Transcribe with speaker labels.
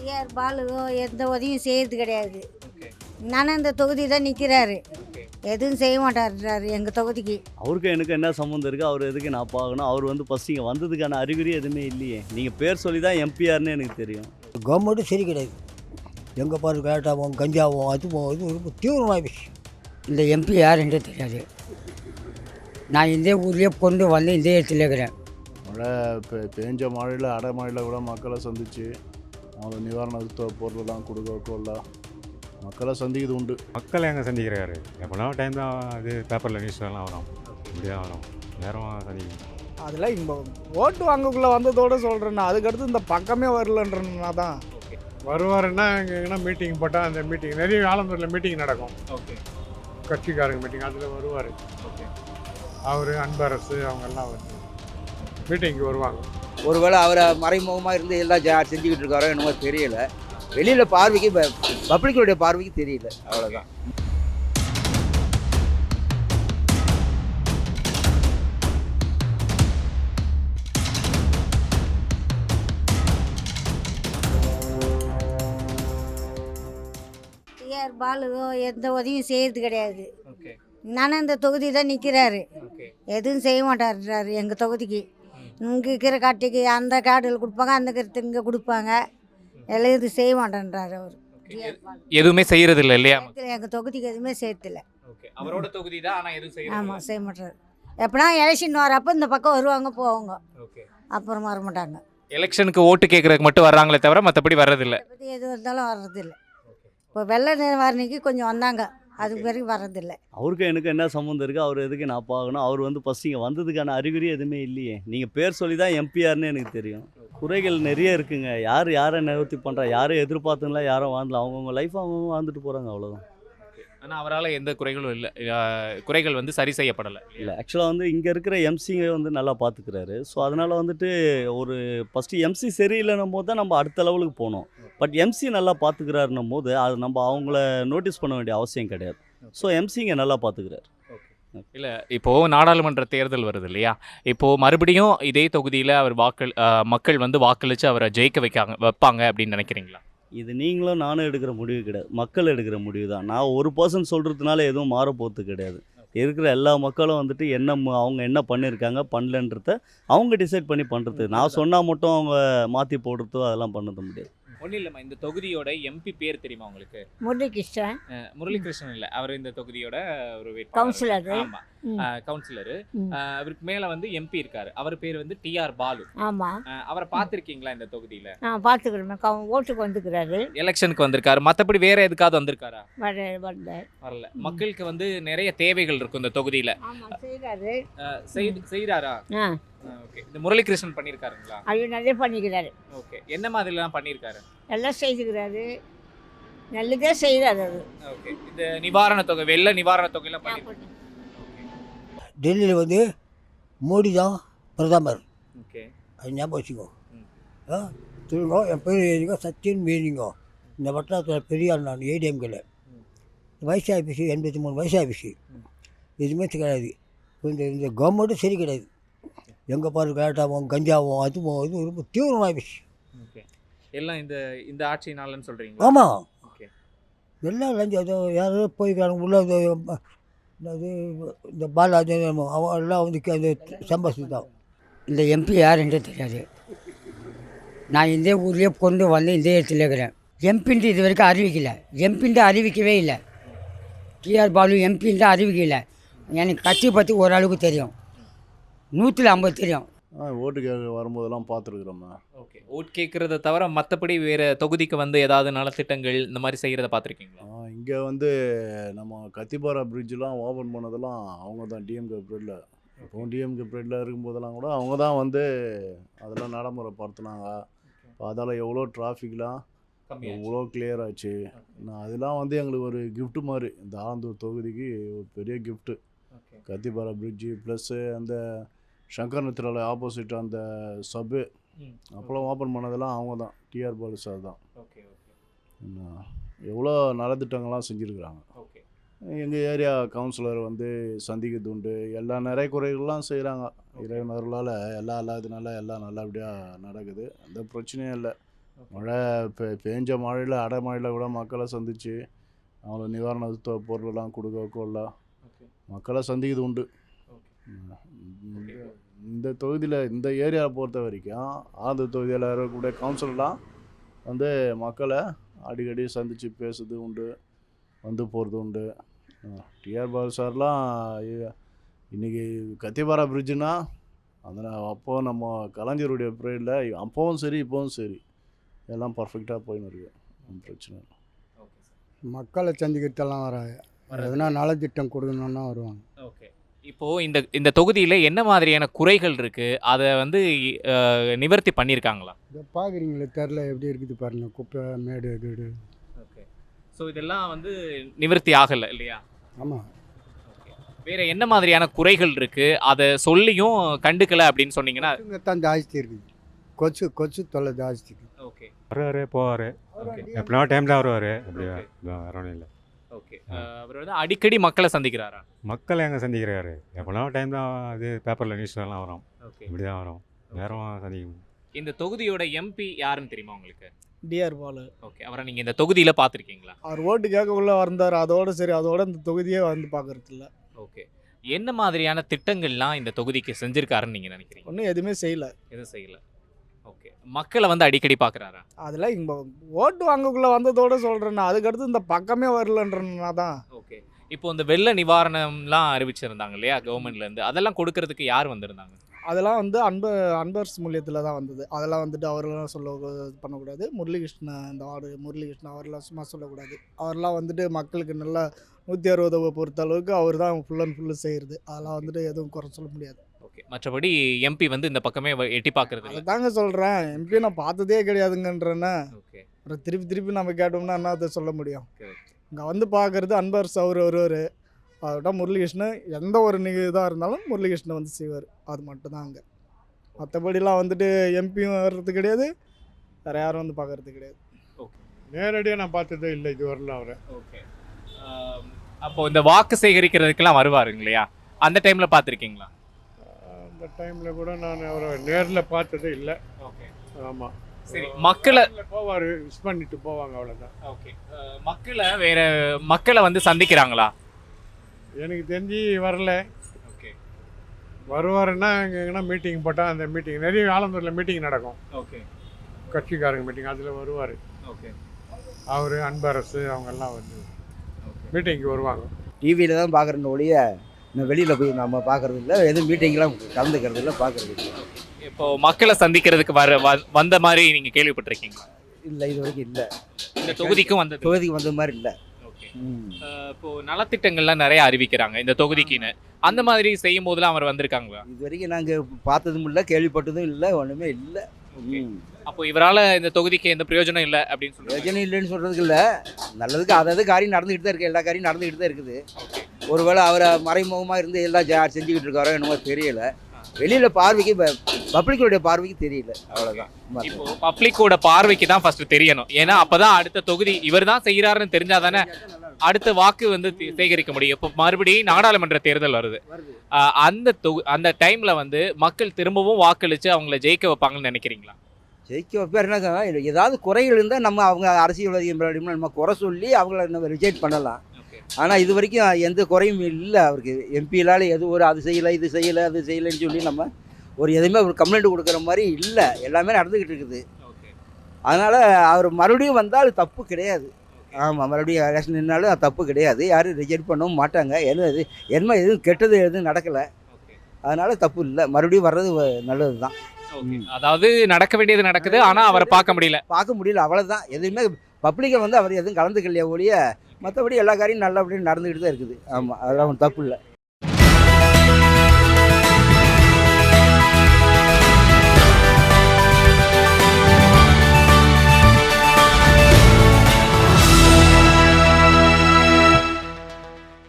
Speaker 1: TR Balu எந்த உதவியும் செய்யறது கிடையாது.
Speaker 2: ஓகே.
Speaker 1: நானும் இந்த தொகுதி தான் நிற்கிறாரு,
Speaker 2: ஓகே.
Speaker 1: எதுவும் செய்ய மாட்டாருறாரு எங்கள் தொகுதிக்கு.
Speaker 3: அவருக்கு எனக்கு என்ன சம்மந்தம் இருக்குது? அவர் எதுக்கு நான் பார்க்கணும்? அவர் வந்து ஃபஸ்ட்டு இங்கே வந்ததுக்கான அறிகுறி எதுவுமே இல்லையே. நீங்கள் பேர் சொல்லி தான் எம்பிஆர்னு எனக்கு தெரியும்.
Speaker 4: கவர்மெண்ட்டும் சரி கிடையாது. எங்கே பாரு கேட்டாவும் கஞ்சாவும் அதுவும் இது ரொம்ப தீவிரமாகிடுச்சு.
Speaker 5: இந்த எம்பி யாருன்றே தெரியாது. நான் இந்த ஊர்லேயே கொண்டு வந்து இந்த இடத்துல இருக்கிறேன்.
Speaker 6: மழை பேஞ்ச மழையில் அடைமழையில் கூட மக்களை சந்தித்து அவங்க நிவாரண பொருளெல்லாம் கொடுக்க மக்களை சந்திக்கிறது உண்டு.
Speaker 7: மக்களை எங்கே சந்திக்கிறாரு? எப்போனா டைம் தான் அது பேப்பரில் நியூஸ்லாம் வரும், இப்படி தான் வரும், நேரம் சந்திக்கணும்.
Speaker 8: அதில் இப்போ ஓட்டு வாங்கக்குள்ளே வந்ததோடு சொல்கிறேன்னா அதுக்கடுத்து இந்த பக்கமே வரலன்றனா தான்.
Speaker 7: வருவாருன்னா இங்கே எங்கன்னா மீட்டிங் போட்டால் அந்த மீட்டிங் நிறைய ஆலந்தூரில் மீட்டிங் நடக்கும்.
Speaker 2: ஓகே.
Speaker 7: கட்சிக்காரங்க மீட்டிங் அதில் வருவார்.
Speaker 2: ஓகே.
Speaker 7: அவர் அன்பரசு அவங்கெல்லாம் வந்து மீட்டிங்க்கு வருவாங்க.
Speaker 9: ஒருவேளை அவரை மறைமுகமாக இருந்து எல்லாம் செஞ்சுக்கிட்டு இருக்காரோ என்னமோ தெரியல. வெளியில் பார்வைக்கு பப்ளிக்கோடைய பார்வைக்கு தெரியல, அவ்வளோதான்.
Speaker 1: டிஆர் பாலு எந்த உதவியும் செய்யறது கிடையாது.
Speaker 2: ஓகே.
Speaker 1: நானும் இந்த தொகுதி தான் நிற்கிறாரு,
Speaker 2: ஓகே.
Speaker 1: எதுவும் செய்ய மாட்டாருறாரு எங்கள் தொகுதிக்கு. இங்கே இருக்கிற காட்டுக்கு அந்த காடுகள் கொடுப்பாங்க, அந்த கருத்து இங்கே கொடுப்பாங்க, எல்லாம் இது செய்ய மாட்டேன்றாரு அவர்.
Speaker 2: எதுவுமே செய்யறது இல்லை இல்லையா?
Speaker 1: எங்கள் தொகுதிக்கு எதுவுமே செய்யறதில்ல.
Speaker 2: ஓகே. அவரோட தொகுதி தான், ஆனால் எதுவும் செய்யறது இல்ல.
Speaker 1: ஆமாம், செய்ய மாட்டாரு. எப்படின்னா எலெக்ஷன் வரப்போ இந்த பக்கம் வருவாங்க போவாங்க,
Speaker 2: ஓகே.
Speaker 1: அப்புறம் வர மாட்டாங்க.
Speaker 2: எலெக்ஷனுக்கு ஓட்டு கேட்கறதுக்கு மட்டும் வர்றாங்களே தவிர மற்றபடி வர்றதில்ல.
Speaker 1: அதை பற்றி எது வந்தாலும் வர்றதில்லை. இப்போ வெள்ளை நிவாரணிக்கு கொஞ்சம் வந்தாங்க, அதுக்கு பிறகு வர்றதில்லை.
Speaker 3: அவருக்கு எனக்கு என்ன சம்மந்தம் இருக்குது? அவர் எதுக்கு நான் பார்க்கணும்? அவர் வந்து ஃபஸ்ட்டு இங்கே வந்ததுக்கான அறிகுறி எதுவுமே இல்லையே. நீங்கள் பேர் சொல்லி தான் எம்பிஆர்னு எனக்கு தெரியும். குறைகள் நிறைய இருக்குங்க. யாரை நிவர்த்தி பண்ணுறா? யாரும் எதிர்பார்த்துங்களா? யாரும் வாழ்ந்தல அவங்கவுங்க லைஃப் அவங்க வாழ்ந்துட்டு போகிறாங்க, அவ்வளோதான்.
Speaker 2: ஆனால் அவரால் எந்த குறைகளும் இல்லை, குறைகள் வந்து சரி செய்யப்படலை.
Speaker 3: இல்லை, ஆக்சுவலாக வந்து இங்கே இருக்கிற எம்சிங்க வந்து நல்லா பார்த்துக்கிறாரு. ஸோ அதனால் வந்துட்டு ஒரு ஃபஸ்ட்டு எம்சி சரியில்லைன்னும் போது தான் நம்ம அடுத்த லெவலுக்கு போனோம். பட் எம்சி நல்லா பார்த்துக்கிறாருன்னும் போது அது நம்ம அவங்கள நோட்டீஸ் பண்ண வேண்டிய அவசியம் கிடையாது. ஸோ எம்சிங்க நல்லா பார்த்துக்கிறாரு.
Speaker 2: இல்லை, இப்போது நாடாளுமன்ற தேர்தல் வருது இல்லையா? இப்போது மறுபடியும் இதே தொகுதியில் அவர் மக்கள் வந்து வாக்களித்து அவரை ஜெயிக்க வைப்பாங்க அப்படின்னு நினைக்கிறீங்களா?
Speaker 3: இது நீங்களும் நானும் எடுக்கிற முடிவு கிடையாது, மக்கள் எடுக்கிற முடிவு தான். நான் ஒரு பர்சன் சொல்கிறதுனால எதுவும் மாறப்போகிறது கிடையாது. இருக்கிற எல்லா மக்களும் வந்துட்டு அவங்க என்ன பண்ணியிருக்காங்க பண்ணலன்றத அவங்க டிசைட் பண்ணி பண்ணுறது. நான் சொன்னால் மட்டும் அவங்க மாற்றி போடுறதோ அதெல்லாம் பண்ணது முடியாது.
Speaker 2: ஒன்றும் இல்லைம்மா, இந்த தொகுதியோட எம்பி பேர் தெரியுமா உங்களுக்கு?
Speaker 1: முரளிகிருஷ்ணன்.
Speaker 2: முரளிகிருஷ்ணன் இல்லை, அவர் இந்த தொகுதியோட ஒரு
Speaker 1: கவுன்சிலர்.
Speaker 2: ஆமாம், கவுன்சிலரு. அவருக்கு மேலே வந்து எம்பி இருக்காரு, அவர் பேர் வந்து டிஆர் பாலு.
Speaker 1: ஆமாம்.
Speaker 2: அவரை பார்த்துருக்கீங்களா இந்த தொகுதியில்?
Speaker 1: நான் பார்த்துக்கிறேன், ஓட்டுக்கு வந்துக்கிறாரு.
Speaker 2: எலெக்ஷனுக்கு வந்திருக்காரு, மற்றபடி வேற எதுக்காவது வந்திருக்காரா?
Speaker 1: வரல.
Speaker 2: மக்களுக்கு வந்து நிறைய தேவைகள் இருக்கும் இந்த தொகுதியில்.
Speaker 1: ஆமாம், செய்கிறாரு.
Speaker 2: செய்கிறாரா?
Speaker 1: ஆ,
Speaker 2: ஓகே. இந்த முரளிகிருஷ்ணன் பண்ணியிருக்காருங்களா?
Speaker 1: ஐயோ நிறைய பண்ணிக்கிறாரு.
Speaker 2: ஓகே. என்ன மாதிரிலாம் பண்ணியிருக்காரு?
Speaker 1: எல்லாம் செய்துக்கிறாரு, நல்லதே செய்கிறாரு அது.
Speaker 2: ஓகே. இந்த நிவாரண தொகை, வெள்ள நிவாரண தொகையெல்லாம் பண்ணி.
Speaker 4: டெல்லியில் வந்து மோடி தான் பிரதமர்.
Speaker 2: ஓகே.
Speaker 4: அது ஞாபகம் வச்சுக்கோ. சொல்லுங்க, என் பேர் ஏறிங்க சச்சின் மீனிங்கோ. இந்த வட்டாரத்தில் பெரிய ஆள் நான் ஏடிஎம்கில். வயசாகிடுச்சு, 83 வயசாகிடுச்சு. எதுவுமே கிடையாது. இந்த கவர்மெண்ட்டும் சரி கிடையாது. எங்கே பாரு கேட்டாவும் கஞ்சாவும் அதுவும் இது ரொம்ப தீவிரமாகிடுச்சு.
Speaker 2: ஓகே. எல்லாம் இந்த ஆட்சினாலன்னு சொல்கிறீங்க?
Speaker 4: ஆமாம்.
Speaker 2: ஓகே.
Speaker 4: எல்லாம் லஞ்சம் ஏதோ யாரோ போய்க்கிறாங்க உள்ள. என்னது இந்த பாலாஜி அவன் எல்லாம் வந்து அந்த சம்பாசி தான்.
Speaker 5: இந்த எம்பி யாருன்றே தெரியாது. நான் இந்த ஊர்லேயே கொண்டு வந்து இந்த இடத்துல இருக்கிறேன். எம்பின்ட்டு இது வரைக்கும் அறிவிக்கலை. எம்பின்ட்டு அறிவிக்கவே இல்லை. டிஆர் பாலு எம்பின்ட்டு அறிவிக்கலை. எனக்கு கட்சி பற்றி ஓரளவுக்கு தெரியும், 150 தெரியும்.
Speaker 6: ஓட்டு கேட்க வரும்போதெல்லாம் பார்த்துருக்குறோம்மா.
Speaker 2: ஓகே. ஓட் கேட்குறத தவிர மற்றபடி வேறு தொகுதிக்கு வந்து ஏதாவது நலத்திட்டங்கள் இந்த மாதிரி செய்கிறத பார்த்துருக்கீங்களா?
Speaker 6: இங்கே வந்து நம்ம கத்திபாரா பிரிட்ஜெலாம் ஓப்பன் பண்ணதெல்லாம் அவங்க தான், டிஎம்கே பீரியடில். இப்போ டிஎம்கே பீரியடில் இருக்கும்போதெல்லாம் கூட அவங்க தான் வந்து அதெல்லாம் நடைமுறைப்படுத்தினாங்க. இப்போ அதால் எவ்வளோ டிராஃபிக்லாம் எவ்வளோ கிளியர் ஆச்சு. அதெல்லாம் வந்து எங்களுக்கு ஒரு கிஃப்ட்டு மாதிரி, இந்த ஆலந்தூர் தொகுதிக்கு ஒரு பெரிய கிஃப்ட்டு. கத்திபாரா பிரிட்ஜு ப்ளஸ்ஸு அந்த சங்கர் நித்ரால ஆப்போசிட் அந்த சப்பு அப்போலாம் ஓப்பன் பண்ணதெல்லாம் அவங்க தான், டிஆர் பாலு சார் தான்.
Speaker 2: ஓகே.
Speaker 6: எவ்வளோ நலத்திட்டங்கள்லாம் செஞ்சுருக்குறாங்க.
Speaker 2: ஓகே.
Speaker 6: எங்கள் ஏரியா கவுன்சிலர் வந்து சந்திக்கிறது உண்டு. எல்லா நிறைய குறைகள்லாம் செய்கிறாங்க. இறைவனர்களால் எல்லா இதனால எல்லாம் நல்லபடியாக நடக்குது. எந்த பிரச்சனையும் இல்லை. மழை பேஞ்ச மழையில் அடைமழையில் கூட மக்களை சந்தித்து அவங்கள நிவாரண பொருளெல்லாம் கொடுக்க கொள்ள மக்களை சந்திக்கிறது உண்டு. இந்த தொகுதியில் இந்த ஏரியாவை பொறுத்த வரைக்கும் ஆந்தூர் தொகுதியில் இருக்கக்கூடிய கவுன்சிலர்லாம் வந்து மக்களை அடிக்கடி சந்தித்து பேசுறது உண்டு, வந்து போகிறது உண்டு. டிஆர் பாலு சார்லாம் இன்றைக்கி கத்திபாரா பிரிட்ஜுனா அந்த அப்போது நம்ம கலைஞருடைய பீரியடில் அப்போவும் சரி இப்போவும் சரி எல்லாம் பர்ஃபெக்டாக போயின்னு இருக்கு, ஒன்றும் பிரச்சனை இல்லை.
Speaker 8: மக்களை சந்திக்கிறதெல்லாம் வராங்க, எதனா நலத்திட்டம் கொடுக்கணுன்னா வருவாங்க.
Speaker 2: ஓகே. இப்போது இந்த தொகுதியில் என்ன மாதிரியான குறைகள் இருக்குது, அதை வந்து நிவர்த்தி பண்ணியிருக்காங்களா?
Speaker 8: இதை பார்க்குறீங்களே தெரில எப்படி இருக்குது பாருங்க, குப்பை மேடு வீடு.
Speaker 2: ஓகே. ஸோ இதெல்லாம் வந்து நிவர்த்தி ஆகலை இல்லையா?
Speaker 8: ஆமாம்.
Speaker 2: வேறு என்ன மாதிரியான குறைகள் இருக்குது, அதை சொல்லியும் கண்டுக்கலை அப்படின்னு சொன்னீங்கன்னா?
Speaker 8: இங்கே தான் ஜாஸ்தி இருக்குது, கொச்சு தொல்லை ஜாஸ்தி இருக்குது.
Speaker 2: ஓகே.
Speaker 7: வருவார் போவார், எப்படின்னா டைம் தான் வருவார், அப்படி வேற ஒன்றும் இல்லை.
Speaker 2: ஓகே. அவர் வந்து அடிக்கடி மக்களை சந்திக்கிறாரா?
Speaker 7: மக்கள் எங்கே சந்திக்கிறாரு, எப்படின்னா டைம் தான் அது பேப்பரில் நியூஸ்லாம் வரும்,
Speaker 2: ஓகே.
Speaker 7: இப்படி தான் வரும், நேரமாக சந்திக்கும்.
Speaker 2: இந்த தொகுதியோட எம்பி யாருன்னு தெரியுமா உங்களுக்கு?
Speaker 8: டிஆர் பாலு.
Speaker 2: ஓகே. அவரை நீங்கள் இந்த தொகுதியில் பார்த்துருக்கீங்களா?
Speaker 8: அவர் ஓட்டு கேட்கக்குள்ளே வந்தார், அதோட சரி, அதோட இந்த தொகுதியே வந்து பார்க்கறது இல்லை.
Speaker 2: ஓகே. என்ன மாதிரியான திட்டங்கள்லாம் இந்த தொகுதிக்கு செஞ்சுருக்காருன்னு நீங்கள் நினைக்கிறீங்க?
Speaker 8: ஒன்றும் எதுவுமே செய்யலை.
Speaker 2: எதுவும் செய்யலை. ஓகே. மக்களை வந்து அடிக்கடி பார்க்குறாரா?
Speaker 8: அதெல்லாம் இங்கே ஓட்டு வாங்கக்குள்ளே வந்ததோட சொல்கிறேன்னா, அதுக்கடுத்து இந்த பக்கமே வரலன்றனா தான்.
Speaker 2: ஓகே. இப்போ இந்த வெள்ள நிவாரணம்லாம் அறிவிச்சிருந்தாங்க இல்லையா கவர்மெண்ட்லேருந்து, அதெல்லாம் கொடுக்கறதுக்கு யார் வந்திருந்தாங்க?
Speaker 8: அதெல்லாம் வந்து அன்பர்ஸ் மூலியத்தில் தான் வந்தது. அதெல்லாம் வந்துட்டு அவரெல்லாம் இது பண்ணக்கூடாது. முரளிகிருஷ்ணன், இந்த வார்டு முரளிகிருஷ்ணன் அவரெல்லாம் சும்மா சொல்லக்கூடாது. அவரெல்லாம் வந்துட்டு மக்களுக்கு நல்லா 160 பொறுத்த அளவுக்கு அவர் தான் ஃபுல் அண்ட் ஃபுல்லு செய்கிறது. அதெல்லாம் வந்துட்டு எதுவும் குறை சொல்ல முடியாது.
Speaker 2: ஓகே. மற்றபடி எம்பி வந்து இந்த பக்கமே எட்டி பார்க்கறது இல்லை.
Speaker 8: தாங்க சொல்கிறேன், எம்பி நான் பார்த்ததே கிடையாதுங்கன்றேன்னா
Speaker 2: ஓகே.
Speaker 8: அப்புறம் திருப்பி நம்ம கேட்டோம்னா என்ன அதை சொல்ல முடியும்?
Speaker 2: Correct.
Speaker 8: இங்கே வந்து பார்க்குறது அன்பர்ஸ் அவர் வருவார், அதோட முரளிகிருஷ்ணன் எந்த ஒரு இதாக இருந்தாலும் முரளிகிருஷ்ணன் வந்து செய்வார். அது மட்டும்தான் அங்கே. மற்றபடிலாம் வந்துட்டு எம்பியும் வர்றது கிடையாது, வேறு யாரும் வந்து பார்க்கறது கிடையாது.
Speaker 2: ஓகே.
Speaker 6: நேரடியாக நான் பார்த்ததே இல்லை இது வரல அவரை.
Speaker 2: ஓகே. அப்போது இந்த வாக்கு சேகரிக்கிறதுக்கெல்லாம் வருவாருங்க இல்லையா, அந்த டைமில் பார்த்துருக்கீங்களா?
Speaker 6: அந்த டைமில் கூட நான் அவரை நேரில் பார்த்ததே இல்லை.
Speaker 2: ஓகே.
Speaker 6: ஆமாம்.
Speaker 2: சரி. மக்களை
Speaker 6: போவார், விஷ் பண்ணிட்டு போவாங்க, அவ்வளோதான்.
Speaker 2: ஓகே. மக்களை வந்து சந்திக்கிறாங்களா?
Speaker 6: எனக்கு தெரிஞ்சு வரல.
Speaker 2: ஓகே.
Speaker 6: வருவாருன்னா எங்கன்னா மீட்டிங் போட்டால் அந்த மீட்டிங் நிறைய ஆலந்தூரில் மீட்டிங் நடக்கும்,
Speaker 2: ஓகே.
Speaker 6: கட்சிக்காரங்க மீட்டிங், அதில் வருவார்.
Speaker 2: ஓகே.
Speaker 6: அவர் அன்பரசு அவங்கெல்லாம் வந்து மீட்டிங்க்கு வருவாங்க.
Speaker 9: டிவியில் தான் பார்க்குறேன்னு ஒழிய இன்னும் வெளியில் போய் நம்ம பார்க்குறது இல்லை, எதுவும் மீட்டிங்லாம் கலந்துக்கிறது இல்லை, பார்க்குறது இல்லை.
Speaker 2: இப்போ மக்களை சந்திக்கிறதுக்கு வந்த மாதிரி நீங்கள் கேள்விப்பட்டிருக்கீங்களா?
Speaker 9: இல்லை, இது வரைக்கும் இல்லை.
Speaker 2: இந்த தொகுதிக்கும் வந்தது?
Speaker 9: தொகுதிக்கு வந்த மாதிரி இல்லை.
Speaker 2: ஓகே. இப்போ நலத்திட்டங்கள்லாம் நிறைய அறிவிக்கிறாங்க இந்த தொகுதிக்குன்னு, அந்த மாதிரி செய்யும் போதெல்லாம் அவர் வந்திருக்காங்களா?
Speaker 9: இது வரைக்கும் நாங்கள் பார்த்ததும் இல்லை, கேள்விப்பட்டதும் இல்லை, ஒன்றுமே இல்லை.
Speaker 2: அப்போ இவரால் இந்த தொகுதிக்கு எந்த பிரயோஜனம் இல்லை அப்படின்னு சொல்லுவாங்க?
Speaker 9: பிரயோஜனம் இல்லைன்னு சொல்கிறதுக்கு இல்லை, நல்லதுக்கு அதாவது காரியம் நடந்துக்கிட்டு தான் இருக்குது, எல்லா காரியம் நடந்துக்கிட்டு தான் இருக்குது. ஒருவேளை அவரை மறைமுகமாக இருந்து எல்லாம் செஞ்சுக்கிட்டு இருக்காரோ என்னமோ தெரியல, வெளியில் பார்வைக்கு பப்ளிக்கோடைய பார்வைக்கு தெரியல, அவ்வளோதான்.
Speaker 2: இப்போ பப்ளிக்கோட பார்வைக்கு தான் ஃபர்ஸ்ட் தெரியணும், ஏன்னா அப்பதான் அடுத்த தொகுதி இவர் தான் செய்கிறாருன்னு தெரிஞ்சாதானே அடுத்த வாக்கு வந்து சேகரிக்க முடியும். இப்போ மறுபடியும் நாடாளுமன்ற தேர்தல் வருது, அந்த டைம்ல வந்து மக்கள் திரும்பவும் வாக்களிச்சு அவங்கள ஜெயிக்க வைப்பாங்கன்னு நினைக்கிறீங்களா?
Speaker 9: ஜெயிக்க வைப்பாருனாக்கா ஏதாவது குறைகள் இருந்தால் நம்ம அவங்க அரசியல்வாதி நம்ம குறை சொல்லி அவங்கள நம்ம ரிஜெக்ட் பண்ணலாம். ஆனால் இது வரைக்கும் எந்த குறையும் இல்லை அவருக்கு. எம்பியிலால் எதுவும் அது செய்யலை, இது செய்யலை, அது செய்யலைன்னு சொல்லி நம்ம எதுவுமே ஒரு கம்ப்ளைண்ட் கொடுக்குற மாதிரி இல்லை, எல்லாமே நடந்துக்கிட்டு இருக்குது. அதனால் அவர் மறுபடியும் வந்தால் தப்பு கிடையாது. ஆமாம், மறுபடியும் எலெக்ஷன் நின்னாலும் அது தப்பு கிடையாது, யாரும் ரிஜெக்ட் பண்ணவும் மாட்டாங்க. எதுவும் கெட்டது எதுவும் நடக்கலை, அதனால் தப்பு இல்லை, மறுபடியும் வர்றது நல்லது தான்.
Speaker 2: அதாவது நடக்க வேண்டியது நடக்குது, ஆனால் அவரை பார்க்க முடியல,
Speaker 9: அவ்வளோதான். எதுவுமே பப்ளிக்கை வந்து அவர் எதுவும் கலந்துக்கலையே ஒழிய மற்றபடி எல்லா காரியம் நல்லபடியும் நடந்துக்கிட்டு தான் இருக்குது. ஆமாம், அதெல்லாம் ஒன்றும் தப்பு இல்லை.